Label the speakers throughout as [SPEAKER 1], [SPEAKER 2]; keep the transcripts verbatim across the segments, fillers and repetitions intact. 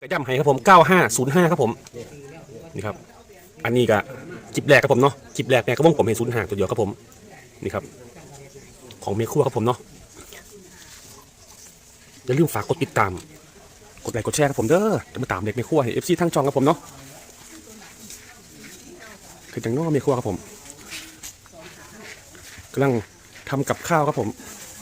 [SPEAKER 1] กระย่ำให้ครับผมเก้าห้าศูนย์ห้าครับผมนี่ครับอันนี้ก็จิบแรกครับผมเนาะจิบแรกเนี่ยก็วงผมให้ศูนย์ห้าตัวเดียวครับผมนี่ครับของเมฆัวครับผมเนาะอย่าลืมฝากกดติดตามกดไลค์กดแชร์ครับผมเด้อจะมาตามเด็กเมฆัวให้เอฟซีทั้งช่องครับผมเนาะคือจังน้อเมฆัวครับผมกำลังทำกับข้าวครับผม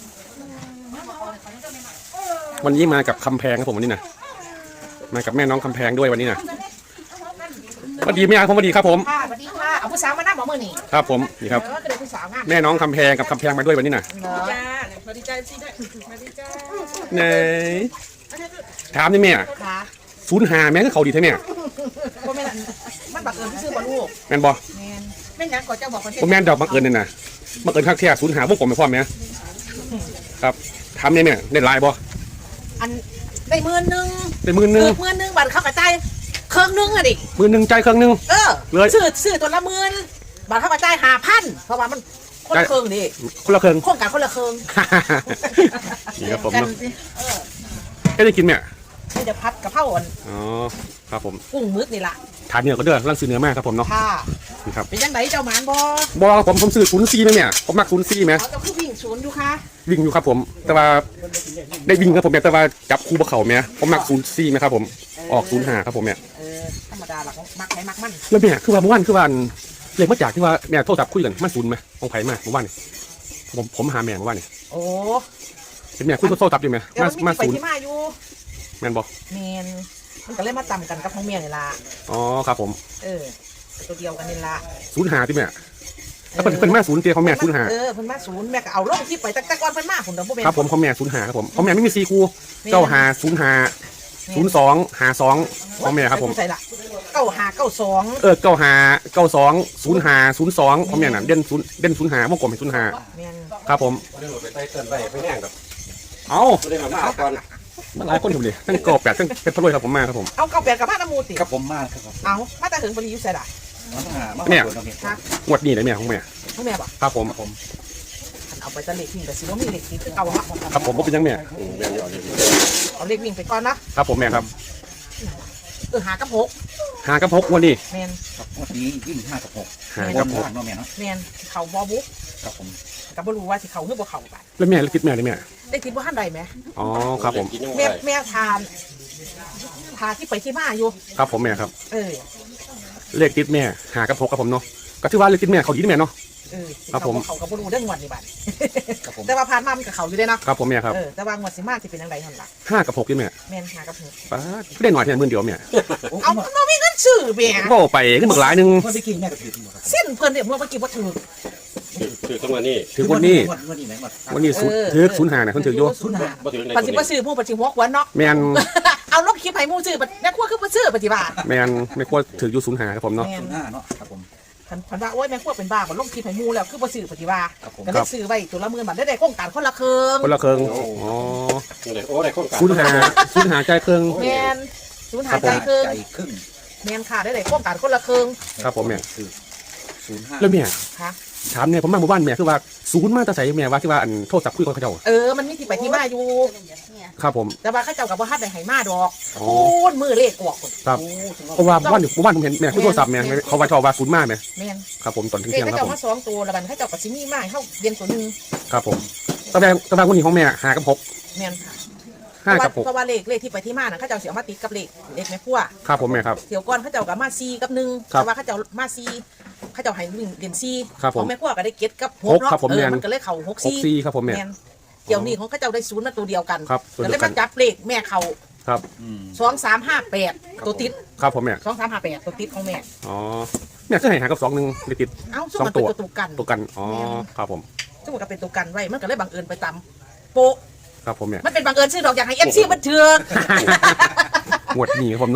[SPEAKER 1] วันนี้มากับคำแพงครับผมวันนี้นะมากับแม่น้องคำแพงด้วยวันนี้นะสวัสดีแม่ผมสวัสดีครับผม
[SPEAKER 2] ค่ะสวัสดีค่ะเอาผู้สาวมานั่งหมอมือนี่
[SPEAKER 1] ครับผมนี่ครับแม่น้องคำแพงกับคำแพงมาด้วยวันนี้นะ
[SPEAKER 2] จ้า
[SPEAKER 3] สวัสดีจ้าซีได้สวัสดีจ้า
[SPEAKER 1] ไหนถามนี่แม่
[SPEAKER 2] ค่ะ
[SPEAKER 1] ศูนย์หาแม่ก็เขาดีใช่ไหม
[SPEAKER 2] พ่อแม่มันบังเอิญที่ซื้อบอลลูก
[SPEAKER 1] แม่นบอ
[SPEAKER 2] แม่แม่ยังก่อนเจ้าบอกคนที่
[SPEAKER 1] ผมแม่นดอกบังเอิญนี่นะบังเอิญคักแท้ศูนย์หาพวกผมไม่พร้อมไหมครับถามนี่แม่ได้ลายบอ
[SPEAKER 2] อันได้หมื่นหนึ่ง
[SPEAKER 1] ได้หมื่นหนึ่ง
[SPEAKER 2] หมื่นหนึ่งบัตรเข้ากระจายเครื่องนึงอะดิ
[SPEAKER 1] หมื่นหนึ่งใจเครื่องนึง
[SPEAKER 2] เออเลยซื้อซื้อตัวละหมื่นบัตรเข้ากระจายห้าพันเพราะว่ามันคนละเครื่องดิ
[SPEAKER 1] คนละเครื่อง
[SPEAKER 2] โครงการคนละเครื่อง
[SPEAKER 1] นี่ครับผมเนาะก็ได้กินไหม
[SPEAKER 2] นี่จะพัดกระเพราอ่อน
[SPEAKER 1] อ๋อครับผม
[SPEAKER 2] กุ้งมึกนี่ละ
[SPEAKER 1] ทานเนื้อก็เด้อร่างซื้อเนื้อมากครับผมเนาะ
[SPEAKER 2] ค่ะ
[SPEAKER 1] นี่ครับ
[SPEAKER 2] เป็นยังไงเจ้าหมานบ
[SPEAKER 1] บอผมผมซื้อศูนย์ซีไหมเนี่ยผมมักศูนย์ซีไหม
[SPEAKER 2] เขาจะคือวิ่งศูนย์อยู่ค่ะ
[SPEAKER 1] วิ่งอยู่ครับผมแต่ว่าได้วิ่งครับผมแต่ว่าจับคู่บะเข่าไหมผมมักศูนย์ซีไหมครับผมออกศูนย์หาครับผมเนี่ย
[SPEAKER 2] เออธรรมดาหลักมักใครมักมัน
[SPEAKER 1] แล้วเนี่ยคือว่าเมื่อวานคือวันเรียกมาจากที่ว่าแม่โทรศัพท์คุยกันมันศูนย์ไหมของไผ่มาเมื่อวานนี่ผมผมหาแม่เมื่อวานนี่
[SPEAKER 2] โอ้
[SPEAKER 1] เป็นแม่คุยโทรศัพท์อยู่ไหมมามาศูนย์แม่นบอก
[SPEAKER 2] แมนมันก็เลยมาต่ำกันกับของเมียนี่ละ
[SPEAKER 1] อ๋อครับผม
[SPEAKER 2] เออตัวเดียวกันนี่ละ
[SPEAKER 1] ศูนย์หาที่แม่แล้วเป็นเป็นแม่ศูนย์เตี้ยของแม่ศูนย์หา
[SPEAKER 2] เออเพิ่นมาศูนย์แม่ก็เอาลงที่ไปตั้งแต่ก่อนเพิ่นมาผมเดี๋ยวพวกแม่
[SPEAKER 1] ครับผมของแม่ศูนย์หาครับผมของแม่ไม่มีซีคูเก้าหาศูนย์หาศูนย์สองหาสองของแม่ครับผม
[SPEAKER 2] ใส่ละเก้าหาเก้าสอง
[SPEAKER 1] เออเก้าหาเก้าสองศูนย์หาศูนย์สองของแม่น่ะเด่นศูนย์เด่นศูนย์หาวงกลมเป็นศูนย์หาครับผม
[SPEAKER 4] ไปไต่เตินไปไปแห้งครับ
[SPEAKER 1] เอา
[SPEAKER 4] ไม่ได้มามาก่อน
[SPEAKER 1] มันหลายคนอยู่เลยทั้งกอบแปดทั้งเป็นพะโล้ครับผมมาครับผม
[SPEAKER 2] เอาเก้าแปดกับมาตะมูติ
[SPEAKER 4] ครับผมมาครับ
[SPEAKER 2] เอามาแต่ถึงปริยุทธ์ใส่ละ
[SPEAKER 1] เนี่ยงวดนี้เลยแม่ของแม่
[SPEAKER 2] ของแม่ป่ะ
[SPEAKER 1] ครับผมผม
[SPEAKER 2] เอาไปตะเล็กวิ่งแต่สิว่ามีเล็กที่เอาฮะ
[SPEAKER 1] ครับผมก็เป็นยังแม่
[SPEAKER 2] เอาเล็กวิ่งไปก่อนนะครับ
[SPEAKER 1] ผมแม่ครับ
[SPEAKER 2] เออหากับหก
[SPEAKER 1] หากับหกวันนี้
[SPEAKER 2] แมน
[SPEAKER 4] ครับวันนี้ยิ่งห้ากับหก
[SPEAKER 1] หากับหก
[SPEAKER 4] เนาะแม่เนาะ
[SPEAKER 2] แมนเขาบอบุ๊ก
[SPEAKER 4] ครับผม
[SPEAKER 2] กับบรู้ว่าสิเขาหรือบ่เขาไป
[SPEAKER 1] แล้วแม่แล้วคิดแม่เลยแม่
[SPEAKER 2] ได้คิดว่าท่านใดไหม
[SPEAKER 1] อ๋อครับผม
[SPEAKER 2] แม่แม่ทานทานที่ไปที่มาอยู่
[SPEAKER 1] ครับผมแม่ครับ
[SPEAKER 2] เออ
[SPEAKER 1] เลขติดแม่หากับหกครับผมเนาะก็ถือว่าเลขติดแม่เขาดีแม่เนาะ
[SPEAKER 2] เออครับผมเขากับบรู้เรื่องงวดนี่บัดแต่ว่าผ่านมามันกับเขาอยู่ได้เนาะ
[SPEAKER 1] ครับผมแม่ครับ
[SPEAKER 2] เออแต่ว่างวดสิมาสิเป็นยังไงท่านล่ะ
[SPEAKER 1] ห้ากับหกนี่แม่
[SPEAKER 2] แม่ห้ากับหก
[SPEAKER 1] ป้าได้หน่อยแค่หมื่นเดียวแม่
[SPEAKER 2] เอาเรามีเงินซื้อแม่
[SPEAKER 1] ก็ไปขึ้นหมึกหลายนึง
[SPEAKER 4] คนไปกินแม่ก็ถือ
[SPEAKER 2] เส้นเพิ่นเนี่ยเมื่อเมื่อกี้ว่าถือ
[SPEAKER 4] ถือตรงนี้
[SPEAKER 1] ถือวันนี้
[SPEAKER 4] วันนี้ไหน
[SPEAKER 1] วันนี้ถือศูนย์หาเนี่ยคนถือโย
[SPEAKER 2] ศูนย์หาปัจจุบันซื้อผู้ปัจจุบันหัวเนาะ
[SPEAKER 1] แมน
[SPEAKER 2] เอาลบคลิปให้มูซื้อแม่ขั้วคือมาซื้อปฏิบัติ
[SPEAKER 1] แมนแม่ขั้วถืออยู่ศูนย์หาครับผมเนาะ
[SPEAKER 4] ศูนย์ห้าเนาะครับผม
[SPEAKER 2] พันพันว่าโอ้ยแม่ขั้วเป็นบ้าบ่ลบคลิปให้มูแล้วคือมาซื้อปฏิบัติก็ได้ซื้อไว้ตัวละหมื่นบาทได้ได้โครงการคนละเครื่อง
[SPEAKER 1] คนละเครื่องอ๋อ
[SPEAKER 4] โอ้ได้โครงการ
[SPEAKER 1] ศูนย์หาศูนย์หาใจเครื่อง
[SPEAKER 2] แมนศูนย์หาใจเครื่องแมนค่ะได้ได้โครงการคนละเครื่อง
[SPEAKER 1] ครับผมแม่
[SPEAKER 4] ศูนย์ห้า
[SPEAKER 1] แล้วแม่
[SPEAKER 2] ค่ะ
[SPEAKER 1] ถามเนี่ยผมมาหมู่บ้านแม่คือว่าศูนย์มาจะใส่แม่ว่าที่ว่าอันโทษจับคุยกับเขาเจ้า
[SPEAKER 2] เออมันมีที่ไปที่มาอยู่
[SPEAKER 1] ครับผม
[SPEAKER 2] แต่ว่าเขาเจ้ากับว่าฮัดได้ให้มาดอกโอ้ยมือเลขออก
[SPEAKER 1] ครับเพราะว่าบ้านหมู่บ้านผมเห็นแม่คุยโทรศัพท์แม่เขาว่าชอบว่าศูนย์มาแม่
[SPEAKER 2] แม่
[SPEAKER 1] ครับผมตอนที่
[SPEAKER 2] เที่
[SPEAKER 1] ยงครับผม
[SPEAKER 2] เขาเจ้ามาสองตัวแล้วบัดเขาเจ้ากับซิมี่มาเขาเรียนตัวนึง
[SPEAKER 1] ครับผมตะแบงตะแบงคนนี้ของแม่หากับหก
[SPEAKER 2] แม่นค่ะ
[SPEAKER 1] ห้ากับหก
[SPEAKER 2] เพราะว่าเลขเลขที่ไปที่มาน่ะเขาเจ้าเสียมาติดกับเลขเลขแม่ขั้ว
[SPEAKER 1] ครับผมแม่ครับ
[SPEAKER 2] เดี๋ยวก่อนเขาเจ้ากับมาซีกับหนึ่งแต่ว่าเขาเจ้ามาซีเขาเจ้าให้วิ่งเรียนซีของแม่ขั้วก็ได้เก็ตกับหกเนาะเออมันก็เลยเข่าหกซี
[SPEAKER 1] ครับผมแม่
[SPEAKER 2] เดี๋ยวนี้ของเขาเจ้าได้ศูนย์มาตัวเดียวกัน
[SPEAKER 1] ครับ
[SPEAKER 2] ก็เลยมาจับเลขแม่เขา
[SPEAKER 1] ครับ
[SPEAKER 2] สองสามห้าแปดตัวติด
[SPEAKER 1] ครับผมแม่
[SPEAKER 2] สองสามห้าแปดตัวติดของแม่
[SPEAKER 1] อ๋อแม่จะให้หากับสองหนึ่งติด
[SPEAKER 2] เอ้าซึ่งมันเป็นตัวกัน
[SPEAKER 1] ตัวกันอ๋อครับผม
[SPEAKER 2] ซึ่งมันก็เป็นตัวกันไว้มันก็เลยบังเอิญไปตำโปะ
[SPEAKER 1] ครับผมเนี่ย
[SPEAKER 2] มันเป็นบังเอิญชื่อดอกอยากให้เอฟซีมันเถื่อน
[SPEAKER 1] หมวดหนีผมเนาะ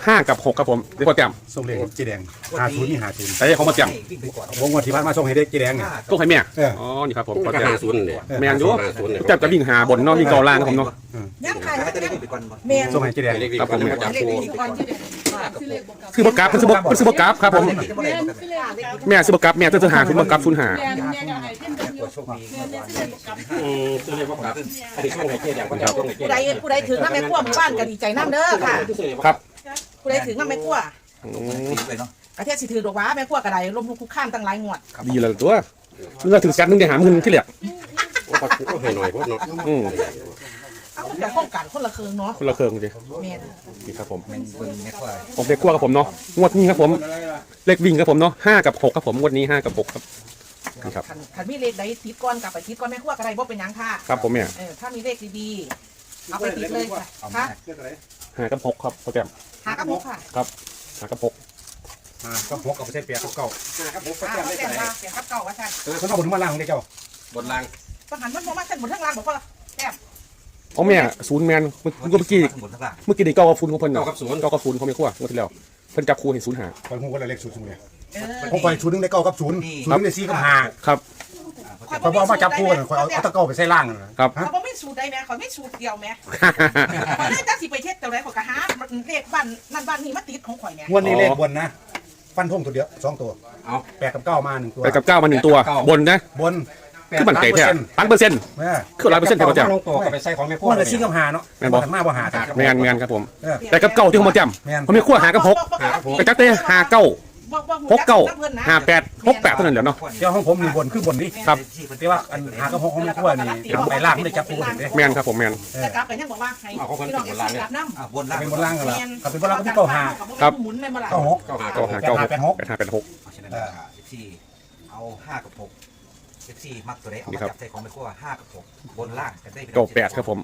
[SPEAKER 1] ห้ากับหกครับผมเดี๋ยวพอแต้ม
[SPEAKER 5] ส่งเลขเจ๊แดงหาศูนย์นี่หาศูนย์
[SPEAKER 1] ไอ้ของมาแต้ม
[SPEAKER 5] วงวันที่ผ่านมาส่งให้ได้เจ๊แดงเนี่ย
[SPEAKER 1] ต้องให้แม่
[SPEAKER 5] เออ
[SPEAKER 1] อ๋อนี่ครับผมพอ
[SPEAKER 4] ก็
[SPEAKER 1] แต้ม
[SPEAKER 4] ห้าศูนย์เลย
[SPEAKER 1] แม่นอยู่
[SPEAKER 4] ห้าศูนย์เลย
[SPEAKER 1] แต้มจะวิ่งหาบนเนาะวิ่งเกาล่างครับผมเนาะ
[SPEAKER 2] ย่างขายย่างแมน
[SPEAKER 5] ส่งให้เจ๊แดง
[SPEAKER 4] เลขวิ่ง
[SPEAKER 1] ครับผม
[SPEAKER 4] จับ
[SPEAKER 2] เล็ก
[SPEAKER 4] คู่
[SPEAKER 2] ดีก่อนที่เด็ด
[SPEAKER 1] ซื้อบกราฟซื้อบกซื้อบกราฟครับผมแม่ซื้อบกราฟแม่จะจะหาคุณบกราฟคุณหา
[SPEAKER 3] แม่แม่ก็ให้เพิ่นเดียวแม่แม่สิได้บ่กลับ
[SPEAKER 4] อืมซื้อเลขว่าครับอันนี้ช่วงไหนเจ๊แดงก็จะช่วงไหนเจ๊
[SPEAKER 2] ผู้
[SPEAKER 4] แด
[SPEAKER 2] ใด
[SPEAKER 4] ง
[SPEAKER 2] ผู้ใดถึงน้ำแม่ขั้วหมู่บ้านก็ดีใจน้ำเด้อค่ะ
[SPEAKER 1] ครับ
[SPEAKER 2] ผู้ใดถึงน้ำแม่ขั้ว
[SPEAKER 1] อืม
[SPEAKER 2] ประเทศสิถือดอกว้าแม่ขั้วกระไดล้มลุกคุกข้ามตั้งหลายงวด
[SPEAKER 1] ดีเลยตัวเมื่อถึงแสนหนึงได้หาเงินที่เหลือ
[SPEAKER 4] ก็ให้หน่อยพวกเนาะ
[SPEAKER 1] อืม
[SPEAKER 2] เอามันจะป้องกันคนละเคืองเนาะ
[SPEAKER 1] คนละเครื่องเลย
[SPEAKER 2] แม่น
[SPEAKER 1] นี่ครับผมผมเลขขั้วครับผมเนาะงวดนี้ครับผมเลขวิ่งครับผมเนาะห้ากับหกครับผมงวดนี้ห้ากับหกครับนี่ครับ
[SPEAKER 2] คันคันมีเลขใดติดก้อนกลับไปติดก้อนแม่ขั้วกระไดบ่เป็นหยังค่ะ
[SPEAKER 1] ครับผมเนี่ย
[SPEAKER 2] เออถ้ามีเลขดีๆเอาไปติดเลยค่ะค่ะ
[SPEAKER 1] ห้ากับหกครับโปรแกรม
[SPEAKER 2] หากระมกค่ะ
[SPEAKER 1] ครับห้ากับหก
[SPEAKER 5] อ่าก็พกกับเส้นเปียกเก่า
[SPEAKER 2] อ่าเขาแต่งมาเสียงกับเก่าว่าท่าน
[SPEAKER 5] เออเขาเอาบนมาล่างของเจ้า
[SPEAKER 4] บนล่าง
[SPEAKER 2] ต้องหันมันบ่มาเส้นบนทั้งล่างบอกว่าแต้ม
[SPEAKER 1] ของแม่ศูนย์แมนเมื่อเมื่อกี้เมื่อกี้ได้เก้ากับศูนย์ของเพิ่น
[SPEAKER 4] เก้า
[SPEAKER 1] เนาะ
[SPEAKER 4] กับศูนย์
[SPEAKER 1] เก้ากับศูนย์เขาไม่ขั้วงวดที่แล้วเพิ่นจับคู่ให้ศูนย์หา
[SPEAKER 5] คอยหูว่าเลขศูนย์ศูนย์เนี่ย
[SPEAKER 2] เออ
[SPEAKER 5] ผมคอยศูนย์หนึงได้เก้ากับศูนย์ศูนย์หนึงได้สี่กับห้า
[SPEAKER 1] ครับ
[SPEAKER 5] คอยบอกมาจับคู่กันคอยเอาเอาตะเก้าไปใส่ล่างนั่นนะครับ ฮะ
[SPEAKER 2] เขาบ่มีสูตรใดแม่เขาไม่สูตรเดียวแม่ข่อยเลยจักสิไปเทศแต่ไรข่อยก็หาเลขบ้านนั่นบ้านนี้มาติดของข่อยแม่
[SPEAKER 5] งวดนี้เลขบนนะฟันธงตัวเดียวสองตัว
[SPEAKER 4] เอา
[SPEAKER 5] แปดกับเก้ามาหนึ่งตัว
[SPEAKER 1] ไปกับเก้ามาหนึ่งตัวบนนะ
[SPEAKER 5] บน
[SPEAKER 1] คือมันเตะแท้ล้านเปอร์เซ็นต์
[SPEAKER 5] แม่
[SPEAKER 1] คือร้อยเปอร์เซ็นต์เท่าเจ้า
[SPEAKER 4] ลงตัวก็ไปใส่ของแม่
[SPEAKER 5] พ
[SPEAKER 4] พ่
[SPEAKER 5] ว
[SPEAKER 4] อก
[SPEAKER 5] เลยสี่กับห้าเนาะ
[SPEAKER 1] แม่นบ่
[SPEAKER 5] ถัดมาบ่หากัน
[SPEAKER 1] แมนแมนครับผม
[SPEAKER 5] เออ
[SPEAKER 1] แต่กับเก้าที่เขามาจ
[SPEAKER 5] แม่น
[SPEAKER 1] ำเขาไม่ขั้วหากับหกไปจักเตะหาเก้าหกเก้าหาแปดหกแปดเท่านั้นเดี๋ยวเนาะ
[SPEAKER 5] เจ้าของผมมีบนคือบนนี่
[SPEAKER 1] ครับ
[SPEAKER 5] แต่ว่าอันหากับหกของแม่ครัวนี่ทำไปล่างไม่ได้จับคู่กันเด้
[SPEAKER 1] แมนครับผมแมน
[SPEAKER 2] แต่กลับไปยังบอกว่าให้พี่น้องเอฟซีกลับน้ำ
[SPEAKER 4] บนล่าง
[SPEAKER 5] เป็นบนล่างกันละครับเป็นบนล่างก็เป็นเก้าหา
[SPEAKER 1] ครับ
[SPEAKER 2] หมุนไม่มาละ
[SPEAKER 5] เก้าหก
[SPEAKER 4] เก้าหา
[SPEAKER 1] เก้าหาเก้าหกแปดห้าแปดหก
[SPEAKER 6] ฉะนั้นสิบสี่เอาห้ากับหกสิบสี่มักตัวไหนเอา
[SPEAKER 1] นี่
[SPEAKER 6] มา
[SPEAKER 1] ครับ
[SPEAKER 6] จับใส่ของไปขั้วห้ากับหกบนล่างกันได้
[SPEAKER 1] เก้าแปดครับผม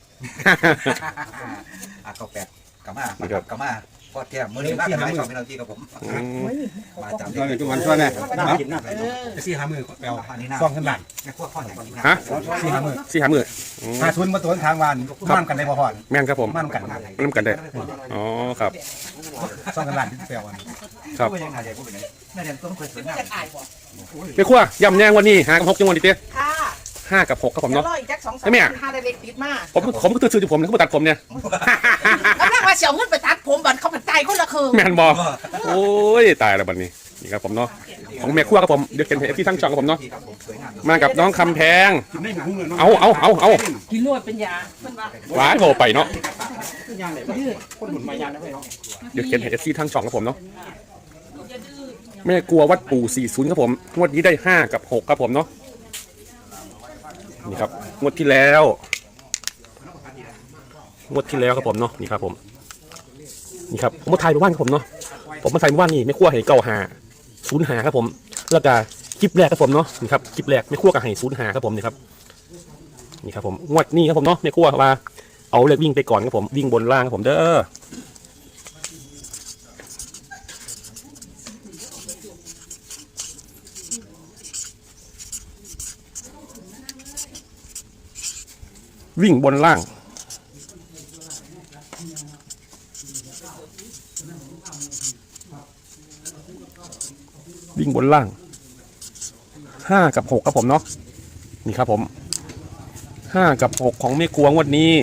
[SPEAKER 6] อ่ะเก้าแปดกลับมา
[SPEAKER 1] นี่ครับ
[SPEAKER 6] กลับมาก็เทียมมือนี้มากกันไม่ชอบไม่ต้องที่กับผม
[SPEAKER 1] อืม
[SPEAKER 6] มาจับ
[SPEAKER 5] ตอนนี้ทุกวันช่วยแม่
[SPEAKER 6] น้ำกินน้
[SPEAKER 5] จะสี่หามือแปลว
[SPEAKER 6] ำอันนี้น้
[SPEAKER 5] ซองขึ้นบ้าน
[SPEAKER 6] ำแม่ขั้วข้ออย่างนี้
[SPEAKER 1] ฮะ
[SPEAKER 5] สี่หามือ
[SPEAKER 1] สี่หามืออืม
[SPEAKER 5] หาทุนมาตัวทางวันมั่นกันได้พอพอน
[SPEAKER 1] แมนครับผม
[SPEAKER 5] มั่นกัน
[SPEAKER 1] น้ำกันได้อ๋อครับ
[SPEAKER 5] ซองกันบ้านที่แปลวัน
[SPEAKER 1] ครับ
[SPEAKER 6] พูดยังไงเดี๋ยวพูดไปไหนแม่เดี๋ยวต้องเคยสวยงาม
[SPEAKER 2] จะอายบ่
[SPEAKER 1] ไม่ขั้วย่ำแยงวันนี้หากับหกจังหวัดดิเต้
[SPEAKER 2] ค่ะ
[SPEAKER 1] ห้ากับหกครับผม
[SPEAKER 2] เดี๋ยว
[SPEAKER 1] เนาะ
[SPEAKER 2] รออีกแจ็คสองสา
[SPEAKER 1] ไอ้
[SPEAKER 2] ม
[SPEAKER 1] แม่
[SPEAKER 2] ห้าได้เล็กติดมา
[SPEAKER 1] ผมผมก็ตื่นชื่อผมนะเขามาตัดผมเนี่ย
[SPEAKER 2] กำลังว่าเสียวเงินไปตัดผมบัดเขาผัดใจคนละคืน
[SPEAKER 1] แมนบอโอ้ยตายแล้วบัดนี้นี่ครับผมเนาะของแม่ขั้วครับผมเดี๋ยวเขียนเอฟที่ทั้งช่องครับผมเนาะ
[SPEAKER 6] ที่ครับผมสวยงาม
[SPEAKER 1] มากับน้องคำแพง
[SPEAKER 5] กินได้หมูหุ้งเลย
[SPEAKER 1] เอาเอาเอาเอา
[SPEAKER 2] กินนวดเป็นยาเพิ่นว่า
[SPEAKER 1] หวานโบไปเนาะ
[SPEAKER 2] ดื้อ
[SPEAKER 1] เดี๋ยวเขียนเอฟซีทั้งช่องครับผมเนาะแม่กลัววัดปู่สี่สิบครับผมงวดนี้ได้ห้ากับหกครับผมเนาะนี่ครับงวดที่แล้วงวดที่แล้วครับผมเนาะนี่ครับผมนี่ครับผมมาถ่ายเมื่อวานครับผมเนาะผมมาถ่ายเมื่อวานนี่ไม่ขั้วให้เก้าหาศูนย์หาครับผมแล้วก็คลิปแรกครับผมเนาะนี่ครับคลิปแรกไม่ขั้วกับให้ศูนย์หาครับผมนี่ครับนี่ครับผมงวดนี้ครับผมเนาะไม่ขั้วว่าเอาเลขวิ่งไปก่อนครับผมวิ่งบนล่างครับผมเด้อวิ่งบนล่างวิ่งบนล่างห้ากับหกครับผมเนาะนี่ครับผมห้ากับหกของเมฆวงวันนี้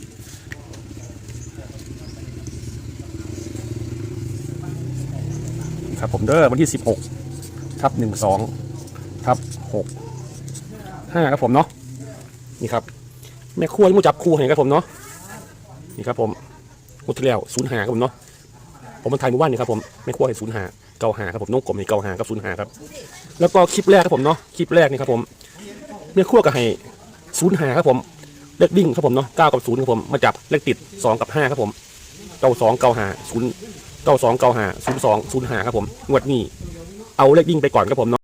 [SPEAKER 1] ครับผมเด้อวันที่สิบหกทับหนึ่งสองทับหกห้าครับผมเนาะนี่ครับแม่ครัวที่มูจับคู่ให้ครับผมเนาะนี่ครับผมงวดที่แล้วศูนย์หาครับผมเนาะผมมันไทยเมื่อวานนี่ครับผมแม่ครัวให้ศูนย์หาเก้าหาครับผมน้องกลมให้เก้าหากับศูนย์หาครับแล้วก็คลิปแรกครับผมเนาะคลิปแรกนี่ครับผมแม่ครัวก็ให้ศูนย์หาครับผมเลขวิ่งครับผมเนาะเก้ากับศูนย์ครับผมมาจับเลขติดสองกับห้าครับผมเก้าสองเก้าหาศูนย์เก้าสองเก้าหาศูนย์สองศูนย์หาครับผมงวดนี้เอาเลขวิ่งไปก่อนครับผมเนาะ